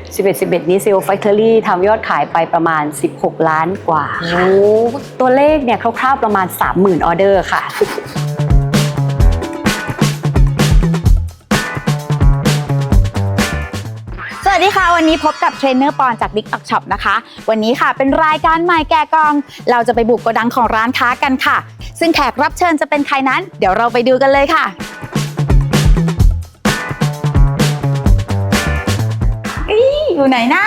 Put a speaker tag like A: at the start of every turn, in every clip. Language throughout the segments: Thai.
A: 11 นี้ CEO Factory ทำยอดขายไปประมาณ16ล้านกว่าค่ะตัวเลขเนี่ยคร่าวๆประมาณ 30,000 ออเดอร์ค่ะ
B: สวัสดีค่ะวันนี้พบกับเทรนเนอร์ปอนจาก TikTok Shop นะคะวันนี้ค่ะเป็นรายการใหม่แกะกล่องเราจะไปบุกโกดังของร้านค้ากันค่ะซึ่งแขกรับเชิญจะเป็นใครนั้นเดี๋ยวเราไปดูกันเลยค่ะอยู่ไหนนะ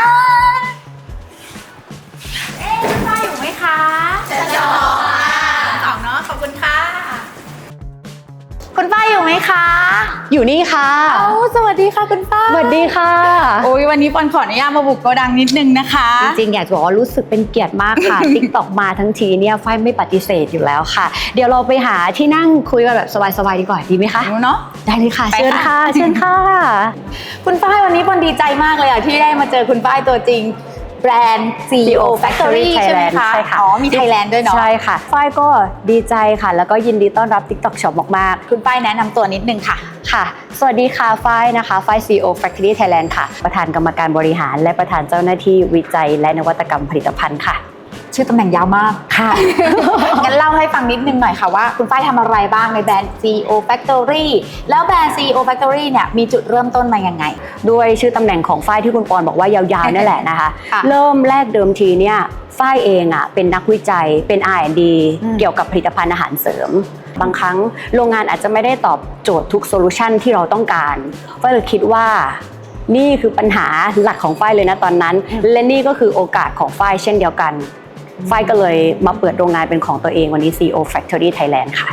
B: คุณป้าอยู่ไหมคะจะจอสองเนาะขอบคุณค่ะคุณป้าอยู่ไหมคะ
A: อยู่นี่ค่ะ
B: สวัสดีค่ะคุณป้า
A: สวัสดีค่ะ
B: โอ้ยวันนี้ปอนขออนุญาตมาบุกโกดังนิดนึงนะคะ
A: จริงๆอยากจะบอกว่ารู้สึกเป็นเกียรติมากค่ะ TikTok มาทั้งทีเนี่ยฝ้ายไม่ปฏิเสธอยู่แล้วค่ะเดี๋ยวเราไปหาที่นั่งคุยกันแบบสบายๆดีกว่าดีไหมคะ
B: เนาะ
A: ได้เลยค่ะเชิญค่ะเชิญค่ะ
B: คุณฝ้ายวันนี้ปอนดีใจมากเลยที่ได้มาเจอคุณฝ้ายตัวจริงแบรนด์ CEO Factory ใช่ไหมคะ
A: ใช่ค่ะ
B: อ๋อมีไทยแลนด์ด้วยเนาะ
A: ใช่ค่ะฝ้ายก็ดีใจค่ะแล้วก็ยินดีต้อนรับ TikTok Shop มาก
B: ๆคุณฝ้ายแนะนำตัวนิดนึงค่ะ
A: ค่ะสวัสดีค่ะฝ้ายนะคะฝ้าย CEO Factory Thailand ค่ะประธานกรรมการบริหารและประธานเจ้าหน้าที่วิจัยและนวัตกรรมผลิตภัณฑ์ค่ะ
B: ชื่อตำแหน่งยาวมาก
A: ค่ะ
B: งั้นเล่าให้ฟังนิดนึงหน่อยค่ะว่าคุณฝ้ายทำอะไรบ้างในแบรนด์ CEO Factory แล้วแบรนด์ CEO Factory เนี่ยมีจุดเริ่มต้นมายังไง
A: ด้วยชื่อตำแหน่งของฝ้ายที่คุณปอนบอกว่ายาวๆนั่นแหละนะคะเริ่มแรกเดิมทีเนี่ยฝ้ายเองอ่ะเป็นนักวิจัยเป็น R&D เกี่ยวกับผลิตภัณฑ์อาหารเสริมบางครั้งโรงงานอาจจะไม่ได้ตอบโจทย์ทุกโซลูชันที่เราต้องการฝ้ายเลยคิดว่านี่คือปัญหาหลักของฝ้ายเลยนะตอนนั้นและนี่ก็คือโอกาสของฝ้ายเช่นเดียวกันฝ้ายก็เลยมาเปิดโรงงานเป็นของตัวเองวันนี้ CEO Factory Thailand ค่ะ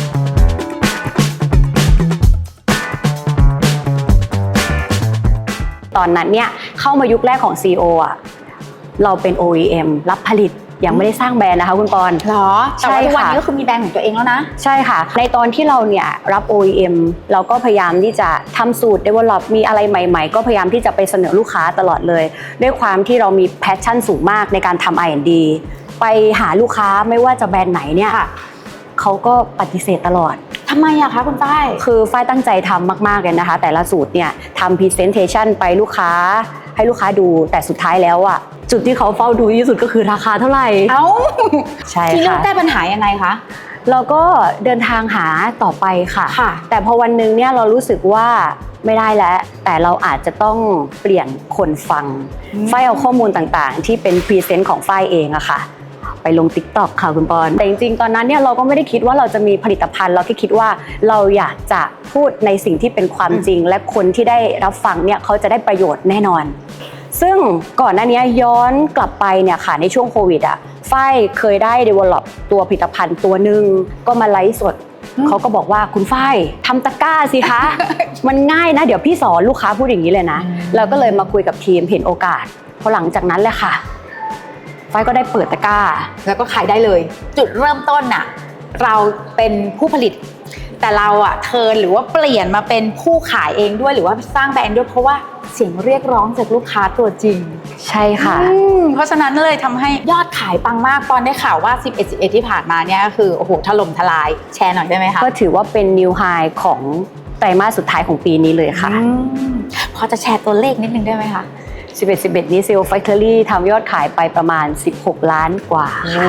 A: ตอนนั้นเนี่ยเข้ามายุคแรกของ CEO อ่ะเราเป็น OEM รับผลิตยังไม่ได้สร้างแบรนด์นะคะคุณปอน
B: หรอแต่ว่าทุกวันนี้ก็คือมีแบรนด์ของตัวเองแล้วนะ
A: ใช่ค่ะในตอนที่เราเนี่ยรับ OEM เราก็พยายามที่จะทำสูตร develop มีอะไรใหม่ๆก็พยายามที่จะไปเสนอลูกค้าตลอดเลยด้วยความที่เรามี passion สูงมากในการทำ R&D ไปหาลูกค้าไม่ว่าจะแบรนด์ไหนเนี่ยเขาก็ปฏิเสธตลอด
B: ทำไมอะคะคุณฝ้าย
A: คือฝ้ายตั้งใจทำมากๆเลยนะคะแต่ละสูตรเนี่ยทำ presentation ไปลูกค้าให้ลูกค้าดูแต่สุดท้ายแล้วอะจุดที่เขาเฝ้าดูที่สุดก็คือราคาเท่าไหร่ใช่ค่ะ
B: ที่แก้ปัญหายังไงคะ
A: เราก็เดินทางหาต่อไปค่ะแต่พอวันนึงเนี่ยเรารู้สึกว่าไม่ได้แล้วแต่เราอาจจะต้องเปลี่ยนคนฟังฝ้ายเอาข้อมูลต่างๆที่เป็นพรีเซนต์ของฝ้ายเองอะค่ะไปลง TikTok ค่ะคุณปอนแต่จริงๆตอนนั้นเนี่ยเราก็ไม่ได้คิดว่าเราจะมีผลิตภัณฑ์เราแค่คิดว่าเราอยากจะพูดในสิ่งที่เป็นความจริงและคนที่ได้รับฟังเนี่ยเขาจะได้ประโยชน์แน่นอนซึ่งก่อนหน้านี้ย้อนกลับไปเนี่ยค่ะในช่วงโควิดอ่ะฝ้ายเคยได้ develop ตัวผลิตภัณฑ์ตัวหนึ่งก็มาไลฟ์สดเขาก็บอกว่าคุณฝ้ายทำตะกร้าสิคะ มันง่ายนะเดี๋ยวพี่สอนลูกค้าพูดอย่างนี้เลยนะเราก็เลยมาคุยกับทีมเห็นโอกาสพอหลังจากนั้นแหละค่ะฝ้ายก็ได้เปิดตะกร้า
B: แล้วก็ขายได้เลยจุดเริ่มต้นน่ะเราเป็นผู้ผลิตแต่เราอะเทิร์นหรือว่าเปลี่ยนมาเป็นผู้ขายเองด้วยหรือว่าสร้างแบรนด์ด้วยเพราะว่าเสียงเรียกร้องจากลูกค้าตัวจริง
A: ใช่ค่ะ
B: เพราะฉะนั้นเลยทำให้ยอดขายปังมากตอนได้ข่าวว่า11ที่ผ่านมาเนี่ยก็คือโอ้โหถล่มทลายแชร์หน่อยได้ไหมคะ
A: ก็ถือว่าเป็น new high ของไตรมาสสุดท้ายของปีนี้เลยค่ะ
B: พอจะแชร์ตัวเลขนิดนึงได้ไหมคะ
A: 11 นี้ CEO Factory ทำยอดขายไปประมาณ16ล้านกว่า
B: ค่ะ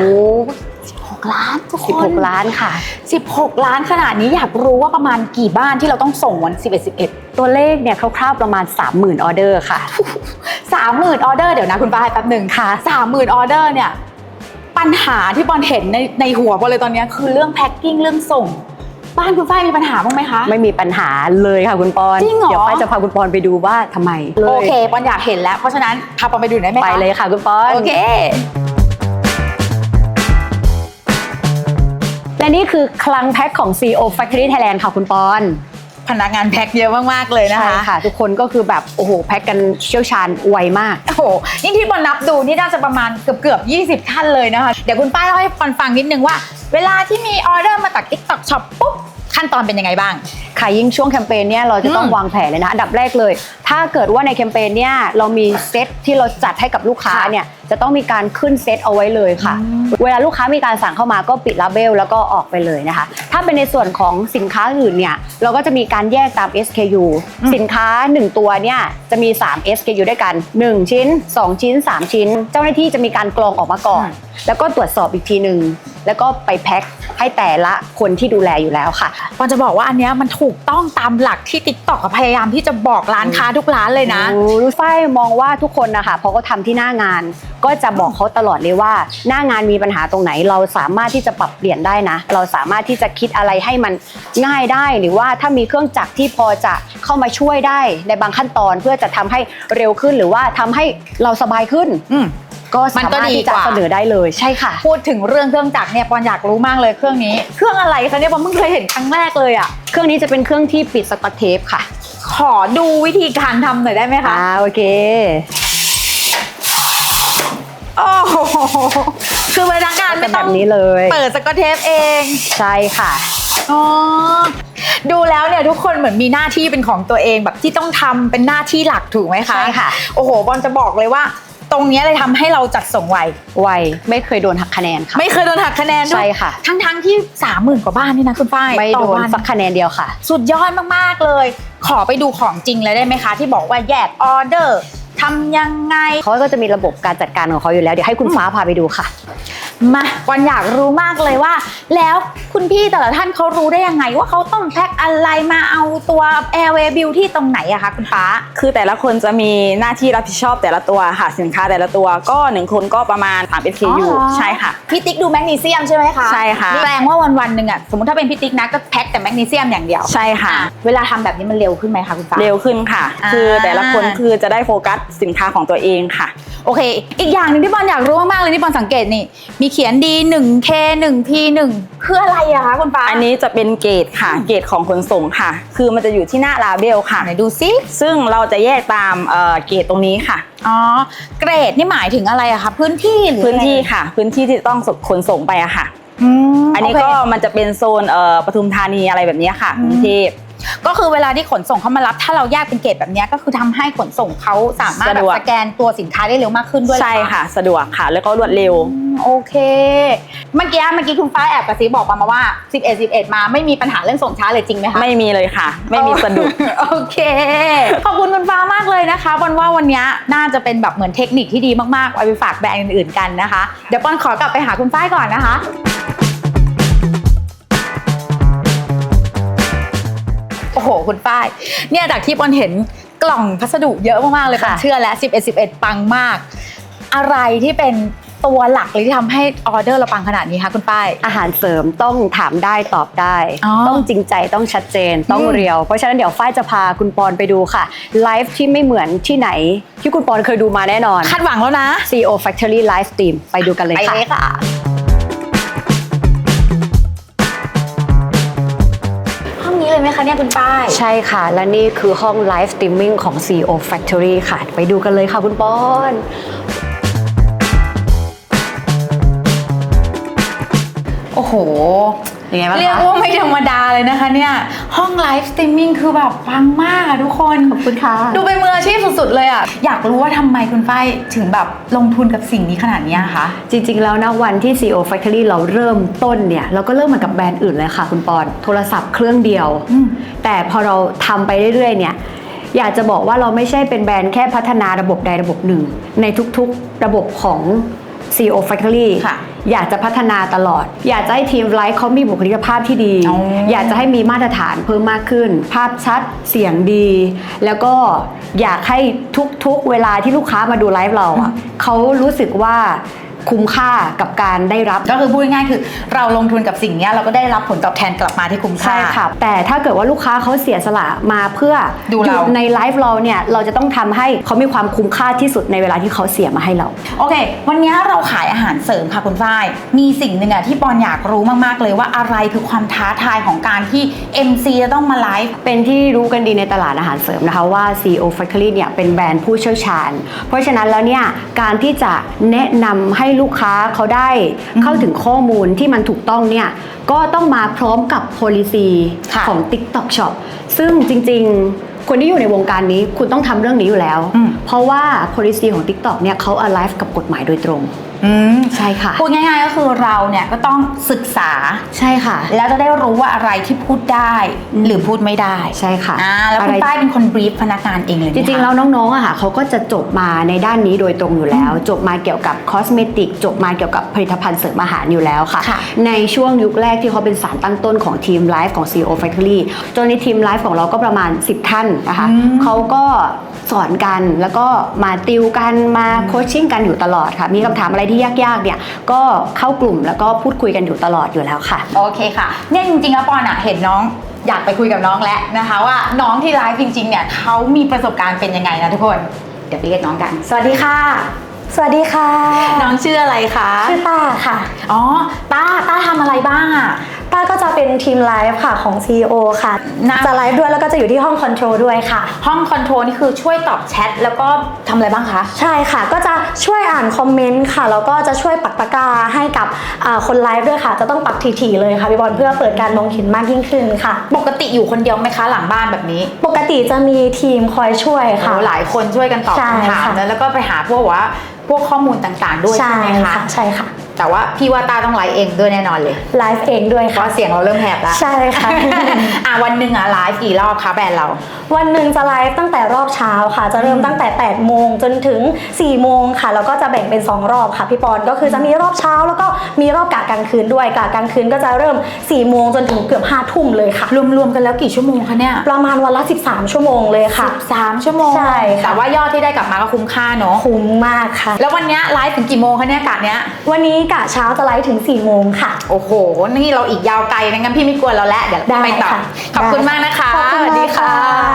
B: 16 ล้านทุกคน
A: 16ล้านค่ะ
B: 16ล้านขนาดนี้อยากรู้ว่าประมาณกี่บ้านที่เราต้องส่งวัน11
A: ตัวเลขเนี่ยคร่าวๆประมาณ 30,000 ออเดอร์ค่ะ
B: 30,000 ออเดอร์เดี๋ยวนะคุณป้าแป๊บนึง
A: ค่ะ
B: 30,000 ออเดอร์เนี่ยปัญหาที่บอลเห็นในหัวบอลเลยตอนนี้คือเรื่องแพ็คกิ้งเรื่องส่งบ้านคุณฝ้ายมีปัญหาบ้างไหมคะ
A: ไม่มีปัญหาเลยค่ะคุณปอน
B: จริงเหรอ
A: เดี๋ยวฝ้ายจะพาคุณปอนไปดูว่าทำไม
B: โอเคปอนอยากเห็นแล้วเพราะฉะนั้นพาปอนไปดูได้ไหมคะ
A: ไปเลยค่ะคุณปอน
B: โอเค
A: และนี่คือคลังแพ็คของ CEO Factory Thailand ค่ะคุณปอน
B: พนักงานแพ็คเยอะมากๆเลยนะคะ
A: ใช่ค่ะทุกคนก็คือแบบโอ้โหแพ็คกันเชี่ยวชาญไวมาก
B: โอ้โหนี่ที่ปอนนับดูนี่น่าจะประมาณเกือบ20ท่านเลยนะคะเดี๋ยวคุณป้าเล่าให้ปอนฟังนิดนึงว่าเวลาที่มีออเดอร์มาจาก TikTok Shop ปุ๊บขั้นตอนเป็นยังไงบ้าง
A: ค่ะยิ่งช่วงแคมเปญเนี่ยเราจะต้องวางแผนเลยนะอันดับแรกเลยถ้าเกิดว่าในแคมเปญเนี่ยเรามีเซตที่เราจัดให้กับลูกค้าเนี่ยจะต้องมีการขึ้นเซตเอาไว้เลยค่ะเวลาลูกค้ามีการสั่งเข้ามาก็ปิดลาเบลแล้วก็ออกไปเลยนะคะถ้าเป็นในส่วนของสินค้าอื่นเนี่ยเราก็จะมีการแยกตาม SKU สินค้า1ตัวเนี่ยจะมี3 SKU ด้วยกัน1ชิ้น2ชิ้น3ชิ้นเจ้าหน้าที่จะมีการกรองออกมาก่อนแล้วก็ตรวจสอบอีกทีนึงแล้วก็ไปแพ็คให้แต่ละคนที่ดูแลอยู่แล้วค่ะ
B: ปอนจะบอกว่าอันเนี้ยมันถูกต้องตามหลักที่ TikTok พยายามที่จะบอกร้านค้าทุกร้านเลยนะ
A: ฝ้ายมองว่าทุกคนนะคะพอเขาทำที่หน้างานก็จะบอกเขาตลอดเลยว่าหน้างานมีปัญหาตรงไหนเราสามารถที่จะปรับเปลี่ยนได้นะเราสามารถที่จะคิดอะไรให้มันง่ายได้หรือว่าถ้ามีเครื่องจักรที่พอจะเข้ามาช่วยได้ในบางขั้นตอนเพื่อจะทำให้เร็วขึ้นหรือว่าทำให้เราสบายขึ้นก็สามารถที่จะเสนอได้เลยใช่ค่ะ
B: พูดถึงเรื่องเครื่องจักรเนี่ยปอนอยากรู้มากเลยเครื่องนี้เครื่องอะไรคะเนี่ยปอนเพิ่งเคยเห็นครั้งแรกเลยอ่ะ
A: เครื่องนี้จะเป็นเครื่องที่ปิดสกอตเทปค่ะ
B: ขอดูวิธีการทำหน่อยได้ไหมคะ
A: โอเค
B: โอ้โหคือพนักงานไม่ต้อง
A: แบบนี้เลย
B: เปิดสกอตเทปเอง
A: ใช่ค่ะ
B: อ๋อดูแล้วเนี่ยทุกคนเหมือนมีหน้าที่เป็นของตัวเองแบบที่ต้องทำเป็นหน้าที่หลักถูกไหมคะ
A: ใช่ค่ะ
B: โอ้โหบอลจะบอกเลยว่าตรงนี้เลยทำให้เราจัดส่งไว
A: ไม่เคยโดนหักคะแนนค่ะ
B: ไม่เคยโดนหักคะแนนด้วย
A: ใช่ค่ะ
B: ทั้งที่ 30,000 กว่าบ้านนี่นะคุณฝ้าย
A: ไม่โดนสักคะแนนเดียวค่ะ
B: สุดยอดมากๆเลยขอไปดูของจริงเลยได้ไหมคะที่บอกว่าแยกออเดอร์ทำยังไง
A: เขาก็จะมีระบบการจัดการของเขาอยู่แล้วเดี๋ยวให้คุณฟ้าพาไปดูค่ะ
B: มาวันอยากรู้มากเลยว่าแล้วคุณพี่แต่ละท่านเขารู้ได้ยังไงว่าเขาต้องแพ็คอะไรมาเอาตัว Airway Beauty ตรงไหนอะคะคุณฟ้า
C: คือแต่ละคนจะมีหน้าที่รับผิดชอบแต่ละตัวค่ะสินค้าแต่ละตัวก็1คนก็ประมาณ3 SKU ใช่ค่ะ
B: พี่ติ๊กดูแมกนีเซียมใช่ไหมคะ
C: ใช่ค่ะ
B: แปลว่าวันๆหนึ่งอะสมมติถ้าเป็นพี่ติ๊กนะก็แพ็คแต่แมกนีเซียมอย่างเดียว
C: ใช่ค่ะ
B: เวลาทำแบบนี้มันเร็วขึ้นไหมคะคุณฟ้า
C: เร็วขึ้นค่ะคือแต่ละคนคือจะได้โฟกัสสินค้าของตัวเองค่ะ
B: โอเคอีกอย่างหนึ่งที่บอลอยากรู้มากๆเลยที่บอลสังเกตนี่มีเขียน D1K 1P1 คืออะไรอะคะคุณฟ้า
C: อันนี้จะเป็นเกรดค่ะเกรดของขนส่งค่ะคือมันจะอยู่ที่หน้าลาเบลค่ะ
B: ไหนดูซิ
C: ซึ่งเราจะแยกตามเกรดตรงนี้ค่ะ
B: อ๋อเกรดนี่หมายถึงอะไรอะคะพื้นที่หรือ
C: พื้นที่ค่ะพื้นที่ที่ต้องขนส่งไปอะค่ะอันนี้ก็มันจะเป็นโซนปทุมธานีอะไรแบบนี้ค่ะกรุงเทพ
B: ก็คือเวลาที่ขนส่งเขามารับถ้าเราแยกเป็นเกรดแบบนี้ก็คือทำให้ขนส่งเขาสามารถแบบสแกนตัวสินค้าได้เร็วมากขึ้นด้วย
C: ใช่ค่ะสะดวกค่ะแล้วก็รวดเร็ว
B: โอเคเมื่อกี้คุณฟ้าแอบกระซิบบอกมาว่า11มาไม่มีปัญหาเรื่องส่งช้าเลยจริงไหมคะ
C: ไม่มีเลยค่ะไม่มีสะดุด
B: โอเคขอบคุณคุณฟ้ามากเลยนะคะบอลว่าวันนี้น่าจะเป็นแบบเหมือนเทคนิคที่ดีมากๆเอาไปฝากแบรนด์อื่นๆกันนะคะเดี๋ยวบอลขอกลับไปหาคุณฟ้าก่อนนะคะโอ้โหคุณป้ายเนี่ยจากที่ปอนเห็นกล่องพัสดุเยอะมากๆเลยปอนเชื่อแล้ว11ปังมากอะไรที่เป็นตัวหลักเลยที่ทำให้ออเดอร์เราปังขนาดนี้คะคุณป้าย
A: อาหารเสริมต้องถามได้ตอบได้ต้องจริงใจต้องชัดเจนต้องเรียวเพราะฉะนั้นเดี๋ยวฝ้ายจะพาคุณปอนไปดูค่ะไลฟ์ที่ไม่เหมือนที่ไหนที่คุณปอนเคยดูมาแน่นอน
B: คาดหวังแล้วนะ
A: CEO Factory Live Stream ไปดูกันเลยค่ะ
B: ไปเลยค่ะเลยไหมคะเนี่ยคุณป้าย
A: ใช่ค่ะและนี่คือห้องไลฟ์สตรีมมิ่งของ CEO Factory ค่ะไปดูกันเลยค่ะคุณปอน
B: โอ้โหเรียกว่าไม่ธรรมดาเลยนะคะเนี่ยห้องไลฟ์สตรีมมิ่งคือแบบปังมากทุกคน
A: ขอบคุณค่ะ
B: ดูเป็นมืออาชีพสุดๆเลยอ่ะอยากรู้ว่าทำไมคุณฝ้ายถึงแบบลงทุนกับสิ่งนี้ขนาดนี้คะ
A: จริงๆแล้วนะวันที่ CEO Factory เราเริ่มต้นเนี่ยเราก็เริ่มเหมือนกับแบรนด์อื่นเลยค่ะคุณปอนโทรศัพท์เครื่องเดียวแต่พอเราทำไปเรื่อยๆเนี่ยอยากจะบอกว่าเราไม่ใช่เป็นแบรนด์แค่พัฒนาระบบใดระบบหนึ่งในทุกๆระบบของ CEO Factory อยากจะพัฒนาตลอดอยากจะให้ทีมไลฟ์เขามีบุคลิกภาพที่ดีอยากจะให้มีมาตรฐานเพิ่มมากขึ้นภาพชัดเสียงดีแล้วก็อยากให้ทุกๆเวลาที่ลูกค้ามาดูไลฟ์เราอ่ะเขารู้สึกว่าคุ้มค่ากับการได้รับ
B: ก็คือพูดง่ายๆคือเราลงทุนกับสิ่งนี้เราก็ได้รับผลตอบแทนกลับมาที่คุ้มค่า
A: ใช่ค่ะแต่ถ้าเกิดว่าลูกค้าเขาเสียสละมาเพื่อ
B: ดูเรา
A: ในไลฟ์เราเนี่ยเราจะต้องทำให้เขามีความคุ้มค่าที่สุดในเวลาที่เขาเสียมาให้เรา
B: โอเควันนี้เราขายอาหารเสริมค่ะคุณฝ้ายมีสิ่งหนึ่งที่ปอนอยากรู้มากๆเลยว่าอะไรคือความท้าทายของการที่ MC จะต้องมาไลฟ์
A: เป็นที่รู้กันดีในตลาดอาหารเสริมนะคะว่า CEO Factory เนี่ยเป็นแบรนด์ผู้เชี่ยวชาญเพราะฉะนั้นแล้วเนี่ยการที่จะแนะนำให้ลูกค้าเขาได้เข้าถึงข้อมูลที่มันถูกต้องเนี่ยก็ต้องมาพร้อมกับ policy ของ TikTok Shop ซึ่งจริงๆคนที่อยู่ในวงการนี้คุณต้องทำเรื่องนี้อยู่แล้วเพราะว่า policy ของ TikTok เนี่ยเขา alive กับกฎหมายโดยตรงใช่ค่ะ
B: พูดง่ายๆก็คือเราเนี่ยก็ต้องศึกษา
A: ใช่ค่ะ
B: แล้วจะได้รู้ว่าอะไรที่พูดได้หรือพูดไม่ได้
A: ใช่ค่ะ
B: แล้วคุณป้ายเป็นคนบรีฟพนักงานเองเลย
A: จริงๆแล้วน้องๆอะค่ะเขาก็จะจบมาในด้านนี้โดยตรงอยู่แล้วจบมาเกี่ยวกับคอสเมติกจบมาเกี่ยวกับผลิตภัณฑ์เสริมอาหารอยู่แล้วค่ะในช่วงยุคแรกที่เขาเป็นสารตั้งต้นของทีมไลฟ์ของ CEO Factory จนในทีมไลฟ์ของเราก็ประมาณ10ท่านนะคะเขาก็สอนกันแล้วก็มาติวกันมาโคชชิ่งกันอยู่ตลอดค่ะมีคำถามอะไรที่ยากๆเนี่ยก็เข้ากลุ่มแล้วก็พูดคุยกันอยู่ตลอดอยู่แล้วค่ะ
B: โอเคค่ะเนี่ยจริงๆแล้วปอนอะเห็นน้องอยากไปคุยกับน้องแล้วนะคะว่าน้องที่ไลฟ์จริงๆเนี่ยเขามีประสบการณ์เป็นยังไงนะทุกคนเดี๋ยวไปเรียกน้องกันสวัสดีค่ะ
D: สวัสดีค่ะ
B: น้องชื่ออะไรคะ
D: ชื่อต้าค่ะ
B: อ๋อต้าทำอะไรบ้างอะ
D: ต้าก็จะเป็นทีมไลฟ์ค่ะของ CEO ค่ะจะไลฟ์ด้วยแล้วก็จะอยู่ที่ห้องคอนโทรลด้วยค่ะ
B: ห้องคอนโทรลนี่คือช่วยตอบแชทแล้วก็ทำอะไรบ้างคะ
D: ใช่ค่ะก็จะช่วยอ่านคอมเมนต์ค่ะแล้วก็จะช่วยปักตะกร้าให้กับคนไลฟ์ด้วยค่ะจะต้องปักถี่ๆเลยค่ะพี่บอลเพื่อเปิดการมองเห็นมากยิ่งขึ้นค่ะ
B: ปกติอยู่คนเดียวไหมคะหลังบ้านแบบนี้
D: ปกติจะมีทีมคอยช่วยค่ะ
B: หลายคนช่วยกันตอบคำถามแล้วก็ไปหาพวกข้อมูลต่างๆด้วยใช่ไหมคะ
D: ใช่ค่ะ
B: แต่ว่าพี่ว่าต้าต้องไลฟ์เองด้วยแน่นอนเลย
D: ไลฟ์เองด้วยค่ะ
B: เพราะเสียงเราเริ่มแหบแล้ว
D: ใช่ค่ะ
B: วันหนึ่งไลฟ์กี่รอบคะแบรนด์เรา
D: วันหนึ่งจะไลฟ์ตั้งแต่รอบเช้าค่ะจะเริ่มตั้งแต่8โมงจนถึง4โมงค่ะแล้วก็จะแบ่งเป็น2รอบค่ะพี่ปอนก็คือจะมีรอบเช้าแล้วก็มีรอบกะกลางคืนด้วยกะกลางคืนก็จะเริ่ม4โมงจนถึงเกือบ5ทุ่มเลยค่ะ
B: รวมๆกันแล้วกี่ชั่วโมงคะเนี่ย
D: ประมาณวันละ13ชั่วโมงเลยค่ะ
B: 13ชั่วโมง
D: ใช่
B: แต่ว่ายอดที่ได้กลับมาก็คุ้มค่าเนาะ
D: คุ้มมากค่ะ
B: แล้ววันนี้ไลฟ์ถึงกี่โมงคะเนี่ยกะเนี้ย
D: วันนี้กะเช้าจะไลฟ์ถึง4โมงค่ะ
B: โอ้โหนี่เราอีกยาวไกลนะงั้นพี่ไม่กวนเราแล้วเดี๋ยวไปต่อขอบคุณมากนะคะ
D: สวัสดีค่ะ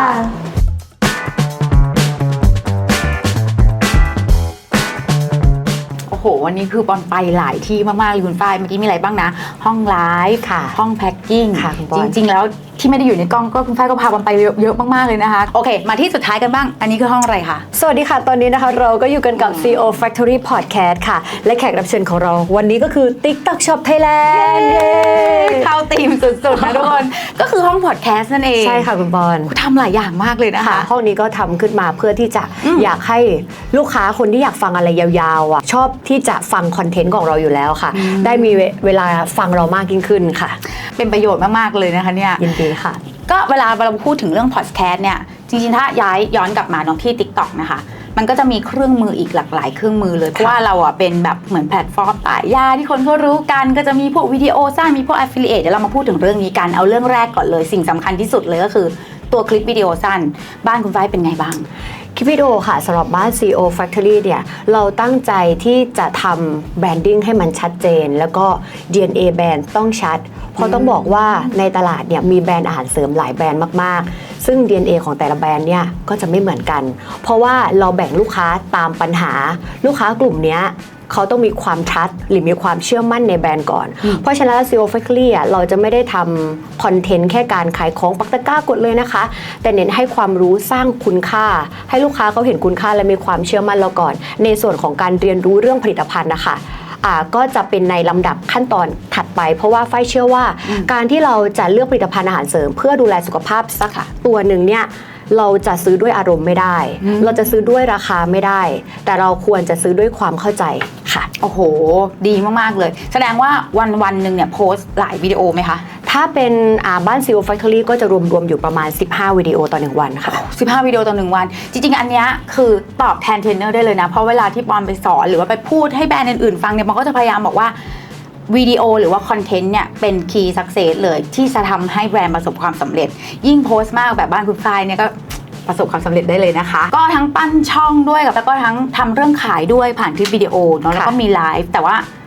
B: โอ้โหวันนี้คือปอนไปหลายที่มากๆเลยคุณฝ้ายเมื่อกี้มีอะไรบ้างนะห้องไลฟ์ค่ะห้องแพ็คกิ้งจริงๆแล้วที่ไม่ได้อยู่ในกล้องก็คุณฝ้ายก็พาปอนไปเยอะมากๆเลยนะคะโอเคมาที่สุดท้ายกันบ้างอันนี้คือห้องอะไรคะ
A: สวัสดีค่ะตอนนี้นะคะเราก็อยู่กันกับ CEO Factory Podcast ค่ะและแขกรับเชิญของเราวันนี้ก็คือ TikTok Shop Thailand
B: เข้าธีมสุดๆนะทุกคนก็คือห้องพอดแคสต์นั่นเอง
A: ใช่ค่ะคุณบอล
B: ทำหลายอย่างมากเลยนะคะ
A: ห้องนี้ก็ทำขึ้นมาเพื่อที่จะอยากให้ลูกค้าคนที่อยากฟังอะไรยาวๆอ่ะชอบที่จะฟังคอนเทนต์ของเราอยู่แล้วค่ะได้มีเวลาฟังเรามากยิ่งขึ้นค่ะ
B: เป็นประโยชน์มากๆเลยนะคะเนี่ย
A: ยินดีค่ะ
B: ก็เวลาเราพูดถึงเรื่องพอดแคสต์เนี่ยจริงๆถ้าย้อนกลับมาน้องที่ TikTok นะคะมันก็จะมีเครื่องมืออีกหลากหลายเครื่องมือเลยเพราะว่าเราอ่ะเป็นแบบเหมือนแพลตฟอร์มขายยาที่คนก็รู้กันก็จะมีพวกวิดีโอสั้นมีพวก affiliate เดี๋ยวเรามาพูดถึงเรื่องนี้กันเอาเรื่องแรกก่อนเลยสิ่งสำคัญที่สุดเลยก็คือตัวคลิปวิดีโอสั้นบ้านคุณฝ้ายเป็นไงบ้าง
A: คลิปวิดีโอค่ะสำหรับบ้าน CEO Factory เนี่ยเราตั้งใจที่จะทำแบรนดิ้งให้มันชัดเจนแล้วก็ DNA แบรนด์ต้องชัดเพราะต้องบอกว่าในตลาดเนี่ยมีแบรนด์อาหารเสริมหลายแบรนด์มากๆซึ่ง DNA ของแต่ละแบรนด์เนี่ยก็จะไม่เหมือนกันเพราะว่าเราแบ่งลูกค้าตามปัญหาลูกค้ากลุ่มเนี้ยเขาต้องมีความทัดหรือมีความเชื่อมั่นในแบรนด์ก่อนเพราะฉะนั้น CEO Factory เราจะไม่ได้ทำคอนเทนต์แค่การขายของปักตะกร้ากดเลยนะคะแต่เน้นให้ความรู้สร้างคุณค่าให้ลูกค้าเขาเห็นคุณค่าและมีความเชื่อมั่นเราก่อนในส่วนของการเรียนรู้เรื่องผลิตภัณฑ์นะคะก็จะเป็นในลำดับขั้นตอนถัดไปเพราะว่าฝ้ายเชื่อว่าการที่เราจะเลือกผลิตภัณฑ์อาหารเสริมเพื่อดูแลสุขภาพสักตัวหนึ่งเนี่ยเราจะซื้อด้วยอารมณ์ไม่ได้เราจะซื้อด้วยราคาไม่ได้แต่เราควรจะซื้อด้วยความเข้าใจค่ะ
B: โอ้โหดีมากๆเลยแสดงว่าวันหนึ่งเนี่ยโพสต์หลายวิดีโอไหมคะ
A: ถ้าเป็นบ้าน CEO Factory ก็จะรวมอยู่ประมาณ15วิดีโอต่อ1วันค่ะ
B: 15วิดีโอต่อ1วันจริงๆอันเนี้ยคือตอบแทนเทรนเนอร์ได้เลยนะเพราะเวลาที่ปอนไปสอนหรือว่าไปพูดให้แบรนด์อื่นๆฟังเนี่ยมันก็จะพยายามบอกว่าวิดีโอหรือว่าคอนเทนต์เนี่ยเป็นคีย์สักเซสเลยที่จะทำให้แบรนด์ประสบความสำเร็จยิ่งโพสต์มากแบบบ้านคุณฝ้ายเนี่ยก็ประสบความสำเร็จได้เลยนะคะก็ทั้งปั้นช่องด้วยแล้วก็ทั้งทำเรื่องขายด้วยผ่านคลิปวิดีโอเนาะแล้วก็มีไลฟ์แต่ว่า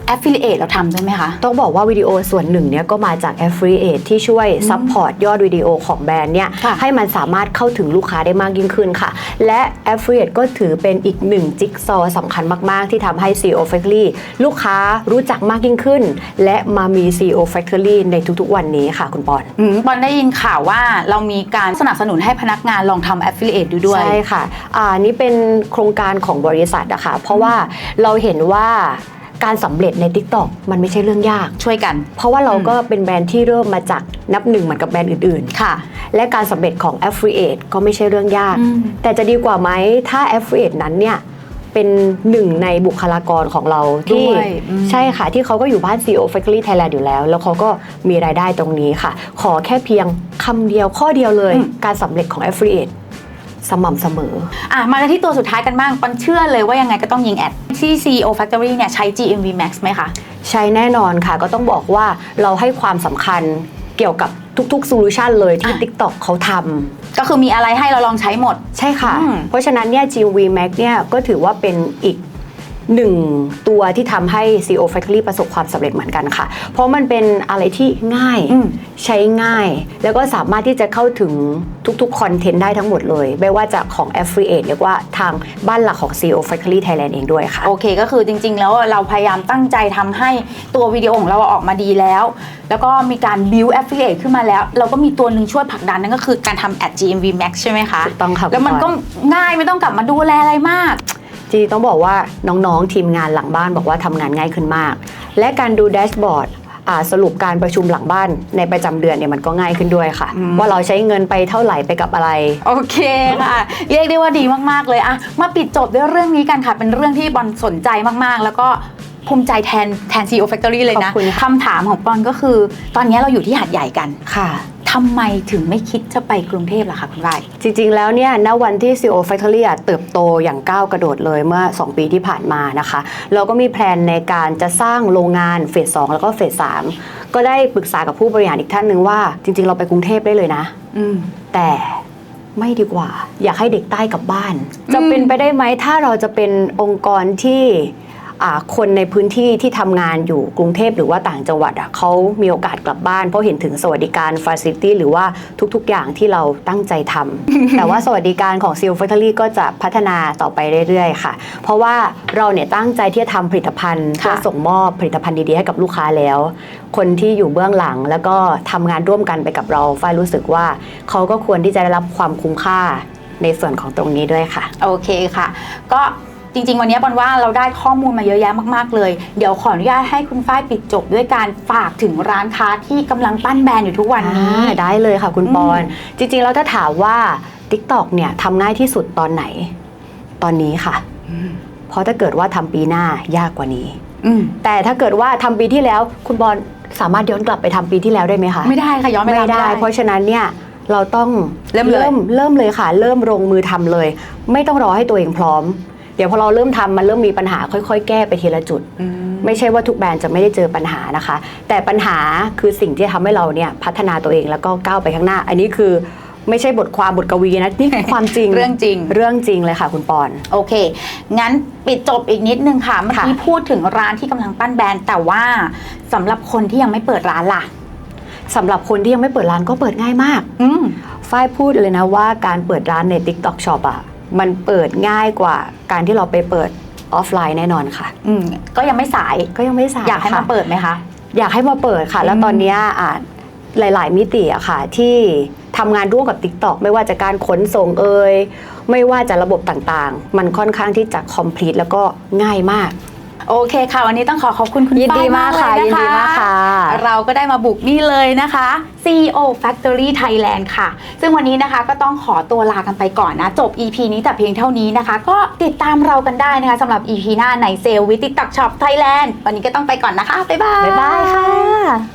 B: affiliate เราทำด้วยไหมคะ
A: ต้องบอกว่าวิดีโอส่วนหนึ่งเนี่ยก็มาจาก Affiliate ที่ช่วยซัพพอร์ตยอดวิดีโอของแบรนด์เนี่ย
B: ค่ะ
A: ให้มันสามารถเข้าถึงลูกค้าได้มากยิ่งขึ้นค่ะ และ Affiliate ก็ถือเป็นอีกหนึ่งจิ๊กซอว์สำคัญมาก ๆ ที่ทำให้ CEO Factory ลูกค้ารู้จักมากยิ่งขึ้น และมามี CEO Factory ในทุกๆวันนี้ค่ะคุณปอน
B: บอลได้ยินข่าวว่าเรามีการสนับสนุนให้พนักงานลองทำ affiliate ดูด้วย
A: ใช่ค่ะนี่เป็นโครงการของบริษัทนะคะเพราะว่าเราเห็นว่าการสำเร็จใน TikTok มันไม่ใช่เรื่องยาก
B: ช่วยกัน
A: เพราะว่าเราก็เป็นแบรนด์ที่เริ่มมาจากนับหนึ่งเหมือนกับแบรนด์อื่นๆ
B: ค่ะ
A: และการสำเร็จของ Affiliate ก็ไม่ใช่เรื่องยาก แต่จะดีกว่าไหมถ้า Affiliate นั้นเนี่ยเป็นหนึ่งในบุคลากรของเราที่
B: ด้วย
A: ใช่ค่ะที่เขาก็อยู่บ้าน CEO Factory Thailand อยู่แล้ว แล้วเขาก็มีรายได้ตรงนี้ค่ะ ขอแค่เพียงคำเดียวข้อเดียวเลย การสำเร็จของ Affiliate สม่ำเสมอ
B: มากันที่ตัวสุดท้ายกันบ้างปอนเชื่อเลยว่ายังไงก็ต้องยิงแอดที่ CEO Factory เนี่ยใช้ GMV Max ไหมคะ
A: ใช่แน่นอนค่ะก็ต้องบอกว่าเราให้ความสำคัญเกี่ยวกับทุกๆโซลูชันเลยที่ TikTok เขาทำ
B: ก็คือมีอะไรให้เราลองใช้หมด
A: ใช่ค่ะ
B: อืม
A: เพราะฉะนั้นเนี่ย GMV Max เนี่ยก็ถือว่าเป็นอีกหนึ่งตัวที่ทำให้ CEO Factory ประสบความสำเร็จเหมือนกันค่ะ เพราะมันเป็นอะไรที่ง่ายใช้ง่าย แล้วก็สามารถที่จะเข้าถึงทุกๆคอนเทนต์ได้ทั้งหมดเลย ไม่ว่าจะของ Affiliate หรือว่าทางบ้านหลักของ CEO Factory Thailand เองด้วยค่ะ
B: โอเคก็คือจริงๆแล้วเราพยายามตั้งใจทำให้ตัววิดีโอของเราออกมาดีแล้ว แล้วก็มีการ build affiliate ขึ้นมาแล้ว เราก็มีตัวหนึ่งช่วยผลักดันนั่นก็คือการทำ GMV Max ใช่ไหมคะ
A: ถูกต้องค่ะ
B: แล้วมันก็ง่ายไม่ต้องกลับมาดูแลอะไรมาก
A: จริงๆต้องบอกว่าน้องๆทีมงานหลังบ้านบอกว่าทำงานง่ายขึ้นมาก และการดูแดชบอร์ดสรุปการประชุมหลังบ้านในประจำเดือนเนี่ยมันก็ง่ายขึ้นด้วยค่ะ ว่าเราใช้เงินไปเท่าไหร่ไปกับอะไร
B: โอเคค่ะเรียกได้ว่าดีมากๆเลยอะมาปิดจบด้วยเรื่องนี้กันค่ะ เป็นเรื่องที่บอลสนใจมากๆ แล้วก็ภูมิใจแทน CEO Factory เลยนะ
A: ขอบคุณค่ะ
B: คำถามของบอลก็คือ ตอนนี้เราอยู่ที่หาดใหญ่กัน
A: ค่ะ
B: ทำไมถึงไม่คิดจะไปกรุงเทพล่ะคะคุณไร
A: จริงๆ แล้วเนี่ยณวันที่ CEO Factory เติบโตอย่างก้าวกระโดดเลยเมื่อ 2 ปีที่ผ่านมานะคะ เราก็มีแพลนในการจะสร้างโรงงานเฟส 2 แล้วก็เฟส 3 ก็ได้ปรึกษากับผู้บริหารอีกท่านหนึ่งว่าจริงๆ เราไปกรุงเทพได้เลยนะ แต่ไม่ดีกว่า อยากให้เด็กใต้กลับบ้าน จะเป็นไปได้ไหมถ้าเราจะเป็นองค์กรที่คนในพื้นที่ที่ทำงานอยู่กรุงเทพหรือว่าต่างจังหวัดเขามีโอกาสกลับบ้านเพราะเห็นถึงสวัสดิการ Facility หรือว่าทุกๆอย่างที่เราตั้งใจทำ แต่ว่าสวัสดิการของ CEO Factory ก็จะพัฒนาต่อไปเรื่อยๆค่ะ เพราะว่าเราเนี่ยตั้งใจที่จะทำผลิตภัณฑ์เพื่อส่งมอบผลิตภัณฑ์ดีๆให้กับลูกค้าแล้ว คนที่อยู่เบื้องหลังแล้วก็ทำงานร่วมกันไปกับเราฝ้ายรู้สึกว่าเขาก็ควรที่จะได้รับความคุ้มค่าในส่วนของตรงนี้ด้วยค่ะ
B: โอเคค่ะ ก็จริงๆวันนี้บอลว่าเราได้ข้อมูลมาเยอะแยะมากๆเลยเดี๋ยวขออนุญาตให้คุณฝ้ายปิดจบด้วยการฝากถึงร้านค้าที่กำลังปั้นแบรนด์อยู่ทุกวันนี้
A: ได้เลยค่ะคุณปอน จริงๆแล้วถ้าถามว่า TikTok เนี่ยทำง่ายที่สุดตอนไหน ตอนนี้ค่ะ เพราะถ้าเกิดว่าทำปีหน้ายากกว่านี้แต่ถ้าเกิดว่าทำปีที่แล้วคุณปอนสามารถย้อนกลับไปทำปีที่แล้วได้ไหมคะ
B: ไม่ได้ค่ะย้อนไป
A: ไม่ได้ เพราะฉะนั้นเนี่ยเราต้อง
B: เริ่มเลย
A: เริ่มเลยค่ะ เริ่มลงมือทำเลย ไม่ต้องรอให้ตัวเองพร้อม เดี๋ยวพอเราเริ่มทำมันเริ่มมีปัญหาค่อยๆ แก้ไปทีละจุด ไม่ใช่ว่าทุกแบรนด์จะไม่ได้เจอปัญหานะคะ แต่ปัญหาคือสิ่งที่ทำให้เราเนี่ยพัฒนาตัวเองแล้วก็ก้าวไปข้างหน้า อันนี้คือไม่ใช่บทความบทกวีนะนี่คือความจริง
B: เรื่องจริง
A: เรื่องจริงเลยค่ะคุณปอน
B: โอเค งั้นปิดจบอีกนิดนึงค่ะเมื่อกี้พูดถึงร้านที่กำลังปั้นแบรนด์แต่ว่าสำหรับคนที่ยังไม่เปิดร้านล่ะ
A: สำหรับคนที่ยังไม่เปิดร้านก็เปิดง่ายมากฝ้ายพูดเลยนะว่าการเปิดร้านใน TikTok Shop มันเปิดง่ายกว่าการที่เราไปเปิดออฟไลน์แน่นอนค่ะ
B: ก็ยังไม่สาย
A: ก็ยังไม่สาย
B: อยากให้มาเปิดไหมคะ
A: อยากให้มาเปิดค่ะ แล้วตอนนี้หลายๆมิติอะค่ะที่ทำงานร่วมกับ TikTok ไม่ว่าจะการขนส่งไม่ว่าจะระบบต่างๆ มันค่อนข้างที่จะ complete แล้วก็ง่ายมาก
B: โอเคค่ะวันนี้ต้องขอบคุณคุณ
A: ยินดี
B: ฝ้าย
A: มากค่ะ
B: เลย
A: ยินดีมากค่ะ
B: เราก็ได้มาบุกนี่เลยนะคะ CEO Factory Thailand ค่ะ ซึ่งวันนี้นะคะก็ต้องขอตัวลากันไปก่อนนะจบ EP นี้แต่เพียงเท่านี้นะคะ ก็ติดตามเรากันได้นะคะสำหรับ EP หน้าใน Sale with TikTok Shop Thailand วันนี้ก็ต้องไปก่อนนะคะบ๊ายบาย
A: บ๊ายบายค่ะ